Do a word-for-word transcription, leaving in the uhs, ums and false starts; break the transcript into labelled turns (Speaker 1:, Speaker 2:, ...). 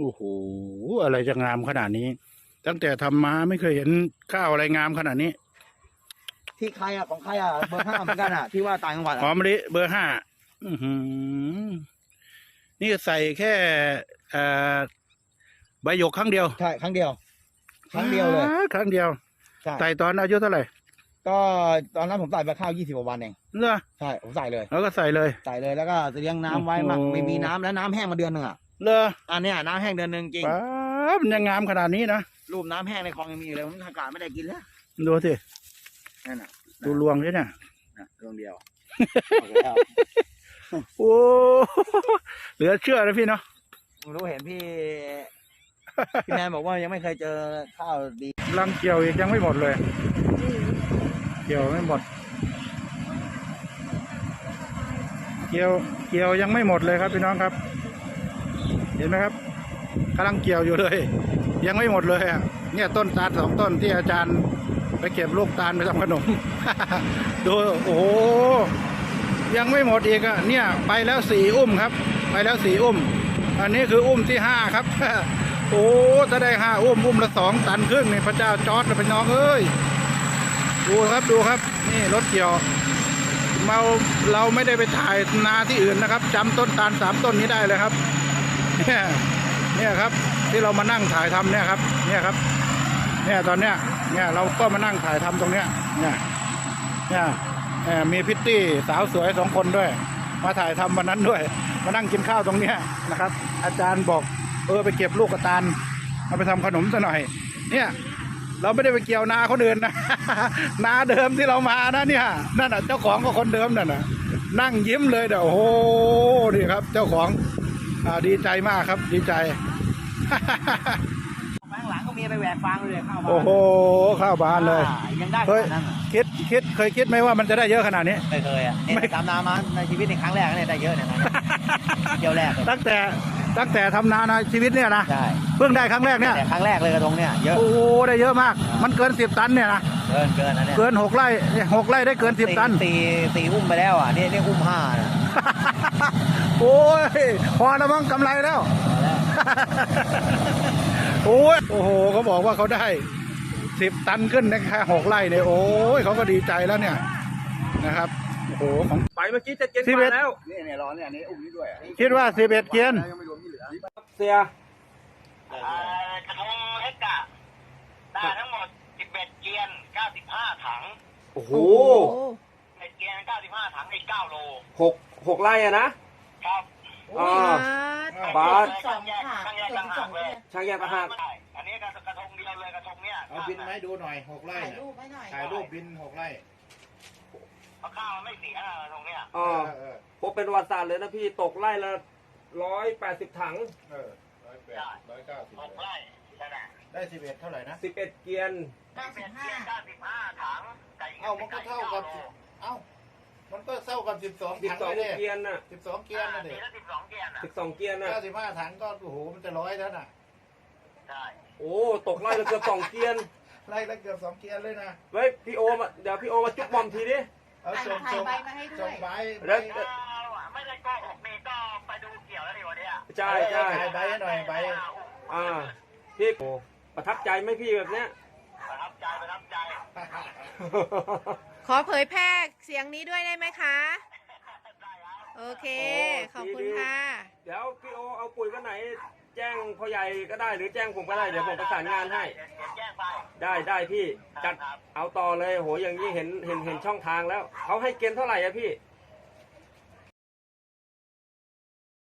Speaker 1: โอ้โหอะไรจะงามขนาดนี้ ตั้งแต่ทำมาไม่เคยเห็นข้าวอะไรงามขนาดนี้
Speaker 2: ที่ใครอ่ะของใครอ่ะเบอร์ห้าเหมือนกันอ่ะที่ว่าต่างจังหวัด
Speaker 1: หอมมะลิเบอร์ห้าอื้อหือนี่ใส่แค่เอ่อใบหยกครั้งเดียว
Speaker 2: ใช่ครั้งเดียว ครั้งเดียวเลย
Speaker 1: ครั้งเดียว
Speaker 2: ใช่
Speaker 1: ใส่ตอนอายุเท่าไหร่
Speaker 2: ก็ตอนนั้นผมใส่ไปข้าวยี่สิบกว่าวันเอง
Speaker 1: เหรอ
Speaker 2: ใช่ผมใส่เลย
Speaker 1: แล้วก็ใส่เลย
Speaker 2: ใส่เลยแล้วก็เลี้ยงน้ำไว้มั่ง
Speaker 1: โอ้โห
Speaker 2: ไม่มีน้ำแล้วน้ำแห้งมาเดือนหนึ่งอ่ะ
Speaker 1: เหรอ
Speaker 2: อันเนี้ยน้ำแห้งเดือนหนึ่งจริง
Speaker 1: ป๊าบมันยังงามขนาดนี้นะ
Speaker 2: รูปน้ำแห้งในคลองยังมีอยู่เลยผมอากาศไม่ได้กินแล้ว
Speaker 1: ดูสิ
Speaker 2: นั่นน่ะ
Speaker 1: ดูรวงด้วยเนี่ย
Speaker 2: นะดวงเดียว
Speaker 1: โอ้เหลือเชื่อนะพี่เนาะ
Speaker 2: ผมรู้เห็นพี่พี่แมนบอกว่ายังไม่เคยเจอข้าวดี
Speaker 1: รังเกี่ยวอีกยังไม่หมดเลย เกี่ยวไม่หมด เกี่ยวเกี่ยวยังไม่หมดเลยครับพี่น้องครับ เห็นไหมครับกำลังเกี่ยวอยู่เลย ยังไม่หมดเลยอ่ะเนี่ยต้นตาลสองต้นที่อาจารย์ไปเก็บลูกตาลไปทำขนม ดูโอ้โหยังไม่หมดอีกอ่ะเนี่ยไปแล้วสี่อุ้มครับ ไปแล้วสี่อุ้ม อันนี้คืออุ้มที่ห้าครับ โอ้ถ้าได้ห้าอุ้มอุ้มละสองตันครึ่งนี่พระเจ้าจอร์ดเป็นน้องเอ้ยดูครับดูครับนี่รถเกี่ยวเราเราไม่ได้ไปถ่ายนาที่อื่นนะครับจำต้นตาลสามต้นนี้ได้เลยครับเนี่ยเนี่ยครับที่เรามานั่งถ่ายทำเนี่ยครับเนี่ยครับเนี่ยตอนเนี้ยเนี่ยเราก็มานั่งถ่ายทำตรงเนี้ยเนี่ยเนี่ยมีพิตตี้สาวสวยสองคนด้วยมาถ่ายทำวันนั้นด้วยมานั่งกินข้าวตรงเนี้ยนะครับอาจารย์บอกเออไปเก็บลูกกระตาลเอาไปทำขนมซะหน่อยเนี่ยเราไม่ได้ไปเกี่ยวนาคนอื่นนะ นาเดิมที่เรามานะเนี่ยนั่นน่ะเจ้าของก็คนเดิมนั่นน่ะนั่งยิ้มเลยเดี๋ยวโอ้โหนี่ครับเจ้าของอ่าดีใจมากครับดีใจ
Speaker 2: ข้างหลังก็มีไปแหวกฟางเลยข้าวบ้าน
Speaker 1: โอ้โหข้าวบานเลย
Speaker 2: อ่ายังได้ข
Speaker 1: เคย
Speaker 2: นาดนั้นเหรอ
Speaker 1: คิดคิดเคยคิดไหมว่ามันจะได้เยอะขนาดนี้
Speaker 2: ไม่เคยอ่ะ
Speaker 1: ไม่
Speaker 2: เนี่ยตามนามาในชีวิตในครั้งแรกเนี่ยได้เยอะเนี่ยนะ เที่ยวแรกเลย
Speaker 1: ตั้งแต่ตั้งแต่ทำนาในชีวิตเนี่ยนะ
Speaker 2: ใช่
Speaker 1: เพิ่งได้ครั้งแรกเนี่ย
Speaker 2: แต่ครั้งแรกเลยกระทงเนี่ยเยอะ
Speaker 1: โอ้โหได้เยอะมาก มันเกินสิบตันเนี่ยนะ
Speaker 2: เกินเกินนะเนี่ย
Speaker 1: เกินหกไร่เนี่ยหกไร่ได้เกินสิบตัน
Speaker 2: ตีตีอุ้มไปแล้วอ่ะนี่นี่อุ้มห้านะ
Speaker 1: โอ้ยพอแล้วมั้งกำไรแล้ว
Speaker 2: พอแล้ว
Speaker 1: โอ้ยโอ้โหเขาบอกว่าเขาได้สิบตันขึ้นในแค่หกไร่เนี่ยโอ้ยเขาก็ดีใจแล้วเนี่ยนะครับโอ้โหของ
Speaker 3: ไปเมื่อกี้จะเจ็ด
Speaker 1: สิบ
Speaker 3: ก
Speaker 1: เอ็ด
Speaker 3: ว่าแล้ว
Speaker 2: นี่เนี่ยร้อนเนี่ยอันนี้อุ้มนี่ด้วยอ่ะ
Speaker 1: คิดว่าสิบเอ็ดเกียน
Speaker 2: ยังไม่รวมที่เหลือ
Speaker 3: เสีย
Speaker 4: เอ่อกระทงเฮกะได้ทั้งหมด สิบเอ็ด เกียน เก้าสิบห้า ถัง
Speaker 3: โอ้โห
Speaker 4: เอ็ดเกียน เก้าสิบห้า ถังอีก เก้า โล
Speaker 3: หกหกไร่อะนะครับ อ่า บาส
Speaker 4: ช่างแยกช่างแยกต่างหากเลย
Speaker 3: ช่างแยกต่างหาก
Speaker 4: ใช่อันนี้กระกระทงเดียวเลยกระทงเนี้ย
Speaker 1: เอาบินมาให้ดูหน่อยหกไร่
Speaker 5: ถ่าย
Speaker 1: น่ะ
Speaker 5: รูปไว้หน่อย
Speaker 1: ถ่ายรูปบินหกไร่
Speaker 4: เพราะข้าวมันไม่เสียนะกระทงเนี้ย
Speaker 3: อ่าพบเป็นประวัติศาสตร์เลยนะพี่ตกไร่ละร้อยแปดสิบถัง
Speaker 1: เออร้อยแปดร้อยเก้าสิบ
Speaker 4: หกไร่นั่นแหละ
Speaker 1: ได้สิบเอ็ดเท่าไหร่นะ
Speaker 3: สิบเอ็ดเกียน
Speaker 5: เก้าสิ
Speaker 4: เอ็
Speaker 5: บ
Speaker 4: ด
Speaker 5: ห้า
Speaker 4: เกียน เก้าสิบห้า ถังไก่
Speaker 1: เอ้ามันก็เท่ากับ
Speaker 4: ไโล
Speaker 1: เอ้ามันก็เท่ากับสิบสอง
Speaker 3: สิบ
Speaker 1: ถัง
Speaker 3: สอง
Speaker 1: เลย
Speaker 3: เกียนน่ะ
Speaker 1: สิบสองเกียน
Speaker 4: อ่า
Speaker 1: นะเด็
Speaker 4: ปีละสิบสองเกียนอ่ะ
Speaker 3: สิบสองเกียนน่ะ
Speaker 1: เก้าสิบห้าถังก็โอ้โหมันจะร้อยแล้วน่ะ
Speaker 4: ใช่
Speaker 3: โอ้ตกไร่ละเกือบสองเกียน
Speaker 1: ไล่ละเกือบสองเกียนเลยนะ
Speaker 3: เฮ้ยพี่โอมาเดี๋ยวพี่โอมาจุ๊บบอมทีดิ
Speaker 1: เอา
Speaker 5: ถ่าย
Speaker 1: ส่ง
Speaker 5: ถ่าย
Speaker 1: ส่ง
Speaker 5: ใบมาให้ด้
Speaker 1: ส่
Speaker 5: ว
Speaker 1: ง
Speaker 5: ย
Speaker 1: ใบ
Speaker 3: แล้ว
Speaker 1: ใบ
Speaker 4: ไม่ได้โกหกนี่ก็ไปดูเกี่ยวแล้วดิวันเนี้ย
Speaker 3: ใช่ใช่
Speaker 1: ถ่ายใบให้หน่อยใบ
Speaker 3: อ่าพี่โอประทับใจไหมพี่แบบเนี้ย
Speaker 4: ประทับใจประทับใจ
Speaker 5: ขอเผยแพร่เสียงนี้ด้วยได้ไหมคะ โอเค ขอบคุณค่ะ
Speaker 3: เดี๋ยวพี่โอเอาปุ๋ยกันไหน แจ้งพ่อใหญ่ก็ได้หรือแจ้งผมก็ได้เดี๋ยวผมประสานงานให้
Speaker 4: เดี๋ยวแจ้งไป
Speaker 3: ได้ได้พี่จัดเอาต่อเลยโหอย่างนี้เห็นเห็นเห็นช่องทางแล้วเขาให้เกณฑ์เท่าไหร่อะพี่
Speaker 4: เ